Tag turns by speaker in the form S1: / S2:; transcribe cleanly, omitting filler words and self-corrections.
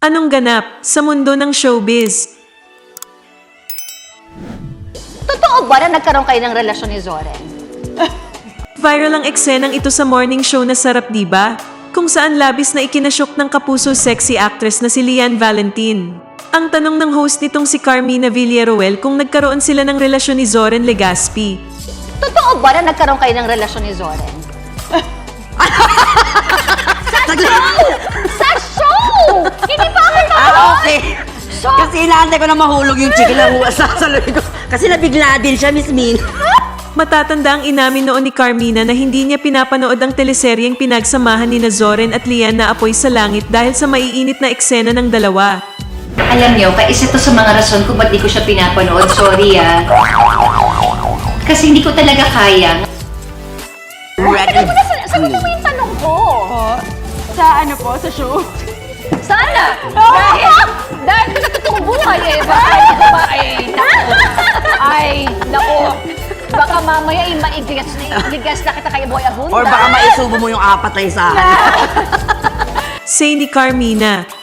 S1: Anong ganap sa mundo ng showbiz?
S2: Totoo ba na nagkaroon kayo ng relasyon ni Zoren?
S1: Viral ang eksenang ito sa morning show na Sarap Diba, kung saan labis na ikinasyok ng kapuso sexy actress na si Lian Valentin. Ang tanong ng host nitong si Carmina Villaruel kung nagkaroon sila ng relasyon ni Zoren Legaspi.
S2: Totoo ba na nagkaroon kayo ng relasyon ni Zoren? Sa show! Hindi pa ako naman!
S3: Okay.
S2: So,
S3: Kasi inaantay ko na mahulog yung chicken na sasaluhin ko. Kasi nabigla din siya, Miss Min.
S1: Matatanda ang inamin noon ni Carmina na hindi niya pinapanood ang teleseryeng pinagsamahan ni Zoren at Lian na Apoy sa Langit dahil sa maiinit na eksena ng dalawa.
S4: Alam niyo, isa to sa mga rason kung ba't di ko siya pinapanood. Sorry Kasi hindi ko talaga kaya.
S2: sagutin mo yung tanong ko.
S5: Sa ano po, sa show?
S2: Sana! Dahil sa totoong buhay eh. Naku. Baka mamaya maigigas na kita kay Boy Abunda.
S3: Or baka maisubo mo yung apat na isahan.
S1: Say ni Carmina,